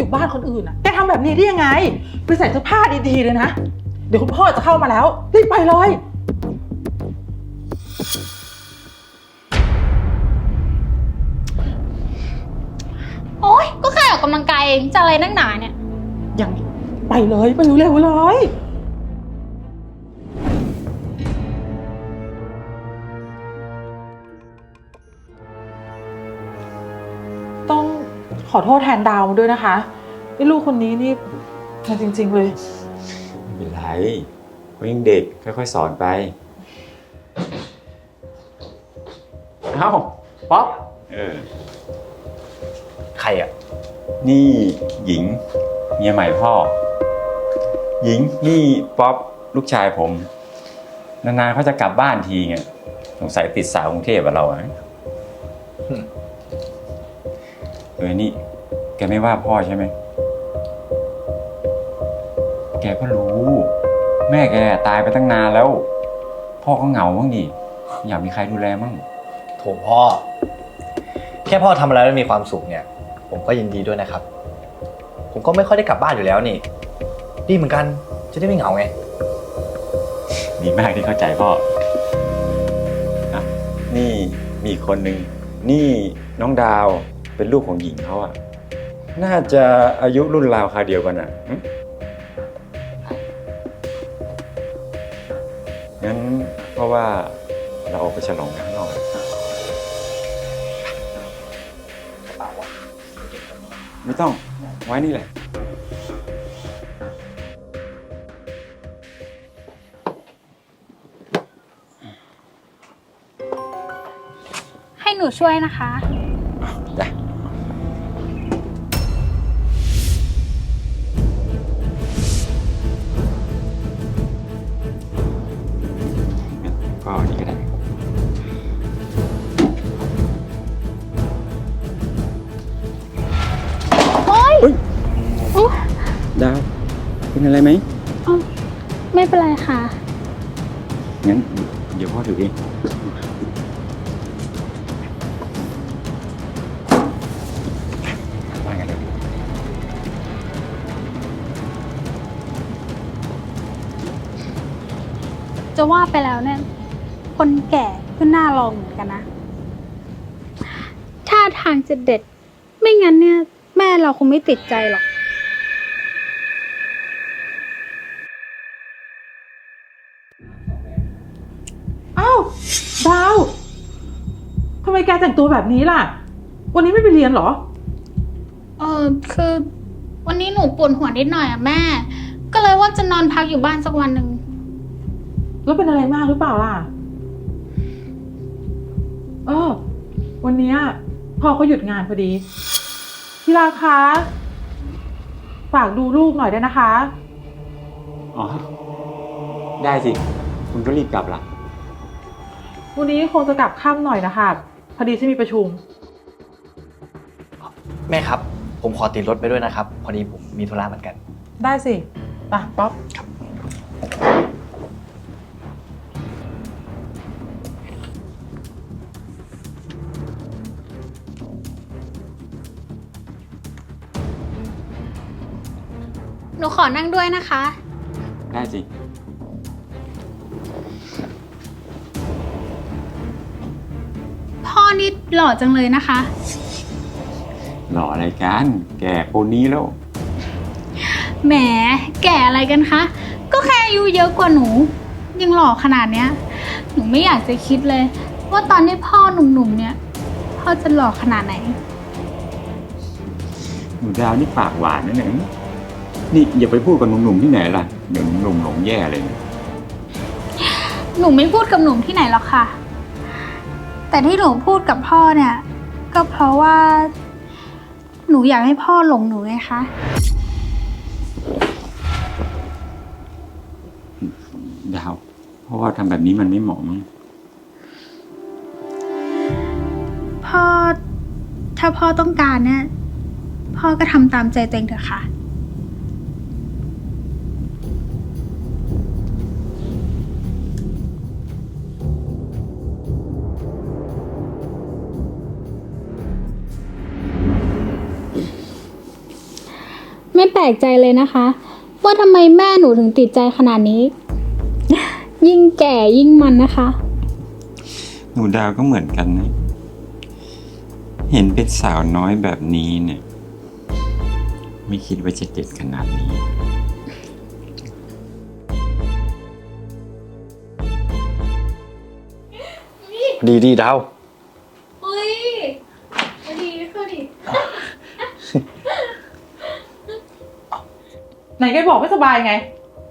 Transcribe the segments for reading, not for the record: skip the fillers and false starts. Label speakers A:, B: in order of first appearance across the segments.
A: บ้านคนอื่นอ่ะแกทำแบบนี้ได้ยังไงไปใส่เสื้อผ้าดีๆเลยนะเดี๋ยวคุณพ่อจะเข้ามาแล้วรีบไปเลย
B: โอ๊ยก็แค่ออกกำลังกายเองจะอะไรนักหนาเนี่ย
A: ยังไปเลยไปเร็วๆเลยต้องขอโทษแทนดาวด้วยนะคะไอ้ลูกคนนี้นี่มาจริงๆเลย
C: ไม่เป็นไรเขายังเด็กค่อยๆสอนไปเอ้าป๊อป
D: ใครอ่ะ
C: นี่หญิงเมียใหม่พ่อหญิงนี่ป๊อปลูกชายผมนานๆเขาจะกลับบ้านทีไงสงสัยติดสาวกรุงเทพกับเราอะนี่แกไม่ว่าพ่อใช่ไหมแกก็รู้แม่แกตายไปตั้งนานแล้วพ่อก็เหงาบ้างดิอยากมีใครดูแลมั่ง
D: โถพ่อแค่พ่อทำอะไรแล้วมีความสุขเนี่ยผมก็ยินดีด้วยนะครับผมก็ไม่ค่อยได้กลับบ้านอยู่แล้วนี่ดีเหมือนกันจะได้ไม่เหงาไง
C: ดีมากที่เข้าใจพ่อนี่มีคนหนึ่งนี่น้องดาวเป็นลูกของหญิงเขาอะน่าจะอายุรุ่นราวคราวเดียวกันอะงั้นเพราะว่าเราออกไปฉลองกันข้างนอกไม่ต้องไว้นี่แหละ
B: ให้หนูช่วยนะคะ
C: จ้ะก็นี่ก็ได้ดาวเป็นอะไรไหม
B: ไม่เป็นไรค่ะ
C: งั้นเดี๋ยวพ่อถือเองว่ากันเลย
B: จะว่าไปแล้วเนี่ยคนแก่ก็น่าลองเหมือนกันนะท่าทางจะเด็ดไม่งั้นเนี่ยแม่เราคงไม่ติดใจหรอก
A: อ้าวดาวทำไมแกแต่งตัวแบบนี้ล่ะวันนี้ไม่ไปเรียนเหรอ
B: คือวันนี้หนูปวดหัวนิดหน่อยอะแม่ก็เลยว่าจะนอนพักอยู่บ้านสักวันหนึ่ง
A: แล้วเป็นอะไรมากหรือเปล่าล่ะวันนี้พ่อเขาหยุดงานพอดีที่รักคะฝากดูลูกหน่อยได้นะคะ
C: อ๋อได้สิคุณก็รีบกลับละ
A: วันนี้คงจะกลับค่ำหน่อยนะคะพอดีฉันมีประชุม
D: แม่ครับผมขอติดรถไปด้วยนะครับพอดีผมมีธุระเหมือนกัน
A: ได้สิไปป๊อป
D: ครับ
B: หนูขอนั่งด้วยนะคะ
C: ได้สิ
B: พ่อนี่หล่อจังเลยนะคะ
C: หล่ออะไรกันแก่คนนี้แล้ว
B: แหมแก่อะไรกันคะก็แค่อายุเยอะกว่าหนูยังหล่อขนาดเนี้ยหนูไม่อยากจะคิดเลยว่าตอนที่พ่อหนุ่มๆเนี่ยพ่อจะหล่อขนาดไหน
C: หนูดาวนี่ปากหวานนะเนี่ยนี่อย่าไปพูดกับหนุ่มๆที่ไหนล่ะเดี๋ยวหนุ่มหลงแย่เลย
B: หนูไม่พูดกับหนุ่มที่ไหนหรอกค่ะแต่ที่หนูพูดกับพ่อเนี่ยก็เพราะว่าหนูอยากให้พ่อหลงหนูไงคะ
C: ดาวเพราะว่าทำแบบนี้มันไม่เหมาะมั้ง
B: พ่อถ้าพ่อต้องการเนี่ยพ่อก็ทำตามใจตัวเองเถอะค่ะไม่แปลกใจเลยนะคะ ว่าทำไมแม่หนูถึงติดใจขนาดนี้ ยิ่งแก่ยิ่งมันนะคะ
C: หนูดาวก็เหมือนกันนะ เห็นเป็นสาวน้อยแบบนี้เนี่ย ไม่คิดว่าจะเด็ดขนาดนี้
D: ดีดาว
B: เฮ้ยดีคือดิ
A: ไหนแกบอกไม่สบายไง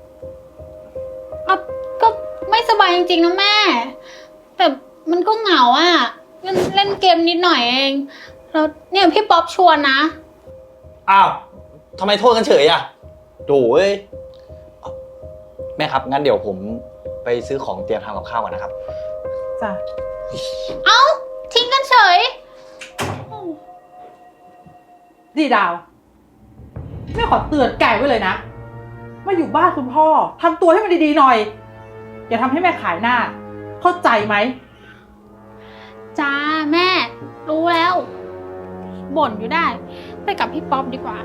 B: ก็ไม่สบายจริงๆนะแม่ แต่มันก็เหงาอ่ะเล่นเกมนิดหน่อยเอง แล้วเนี่ยพี่ป๊อปชวนนะ
D: อ้าวทำไมโทษกันเฉยอ่ะโถ่เอ้ยแม่ครับงั้นเดี๋ยวผมไปซื้อของเตรียมทำกับข้าวก่อนนะครับ
A: จ้ะ
B: เอ้า ทิ้งกันเฉย
A: ดีดาวแม่ขอเตือนแกไว้เลยนะมาอยู่บ้านคุณพ่อทำตัวให้มันดีๆหน่อย อย่าทำให้แม่ขายหน้า เข้าใจไหม
B: จ้าแม่รู้แล้ว บ่นอยู่ได้ ไปกับพี่ป๊อปดีกว่า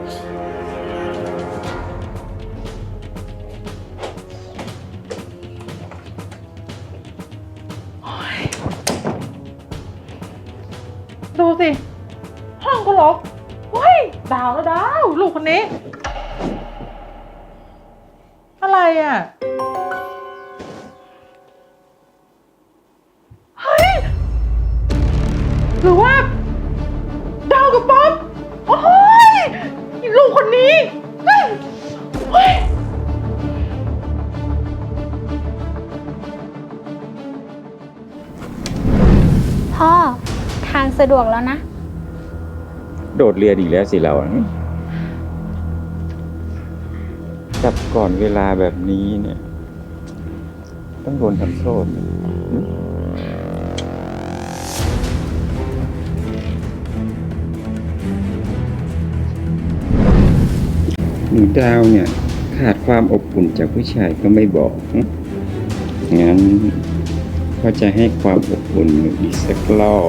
A: ดูสิ ห้องก็รกเฮ้ยดาวแล้วดาว ลูกคนนี้ อะไรอ่ะ เฮ้ย หรือว่า ดาวกับป๊อปโอ้ยลูกคนนี้เฮ้ยเฮ้ย
B: พ่อทางสะดวกแล้วนะ
C: โดดเรียนอีกแล้วสิเราจับก่อนเวลาแบบนี้เนี่ย ต้องโดนทำโทษ หนูดาวเนี่ย ขาดความอบอุ่นจากผู้ชายก็ไม่บอก งั้นก็จะให้ความอบอุ่นหนูอีกสักรอบ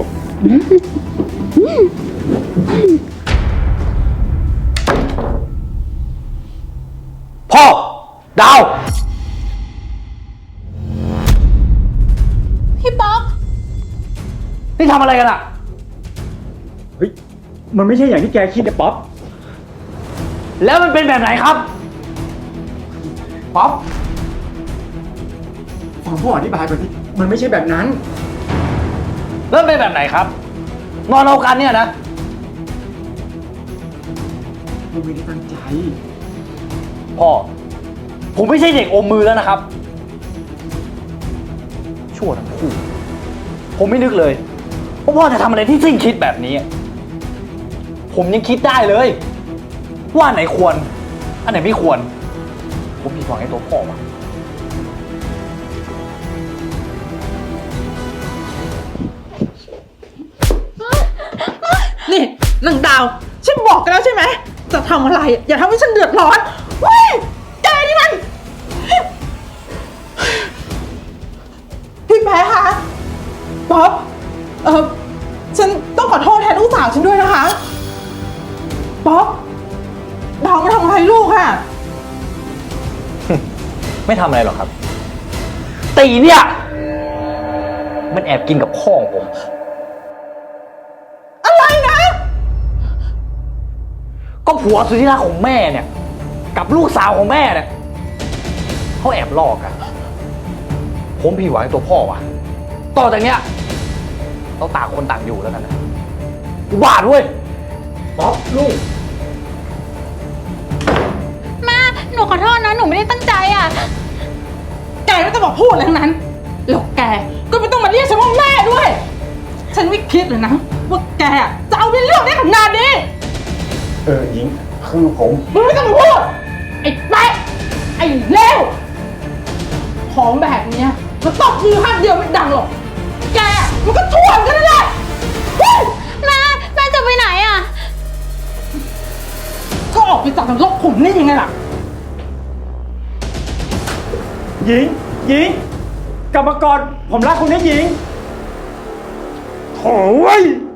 D: พ่อดาว
B: พี่ป๊อป
D: นี่ทำอะไรกันอ่ะ
C: เฮ้ย มันไม่ใช่อย่างที่แกคิดนะป๊อป
D: แล้วมันเป็นแบบไหนครับป๊อป
C: ฟังพ่ออธิบายก่อนสิมันไม่ใช่แบบนั้น
D: แล้วมันเป็นแบบไหนครับ นอนเอากันเนี่ยนะ
C: มันไม่ได้ตั้งใจ
D: พ่อ ผมไม่ใช่เด็กอมมือแล้วนะครับ ชั่วทั้งคู่ ผมไม่นึกเลยว่าพ่อจะทำอะไรที่สิ้นคิดแบบนี้ ผมยังคิดได้เลย ว่าอันไหนควร อันไหนไม่ควร ผมผิดหวังในตัวพ่อว่ะ
A: นี่นางดาว ฉันบอกกันแล้วใช่ไหม จะทำอะไร อย่าทำให้ฉันเดือดร้อนเฮ้ยแกนี่มัน พี่แพ้คะป๊อปฉันต้องขอโทษแทนลูกสาวฉันด้วยนะคะป๊อปดาวมาทำอะไรลูกอะ
D: ไม่ทำอะไรหรอกครับ ตีเนี่ย มันแอบกินกับพ่อของผม
A: อะไรนะ
D: ก็ผัวสุดที่รักของแม่เนี่ย กับลูกสาวของแม่เนี่ยเขาแอบลอกกัน ผมผิดหวังในตัวพ่อว่ะ ต่อจากเนี้ยเราต่างคนต่างอยู่แล้วกันนะอุบาทเว้ยป๊อปลูก
B: แม่ หนูขอโทษนะ หนูไม่ได้ตั้งใจอ่ะ
A: แกไม่ต้องมาพูดอะไรทั้งนั้นแล้วแกก็ไม่ต้องมาเรียกฉันว่าแม่ด้วย ฉันไม่คิดเลยนะว่าแกจะเอาเรื่องได้ขนาดนี้
C: หญิง คือผม
A: มึงไม่ต้องมาพูด ไอ้แป๊ะไอ้เลวของแบบเนี้ยมันตบมือข้างเดียวไม่ดังหรอก แกมันก็ช่วยกันนั่นแหละเฮ้ย
B: แม่จะไปไหนอ่ะ
A: ก็ออกไปจากนรกขุมนี่ยังไงล่ะ
C: หญิง หญิง กลับมาก่อน ผมรักคุณนะหญิงโถ่เว้ย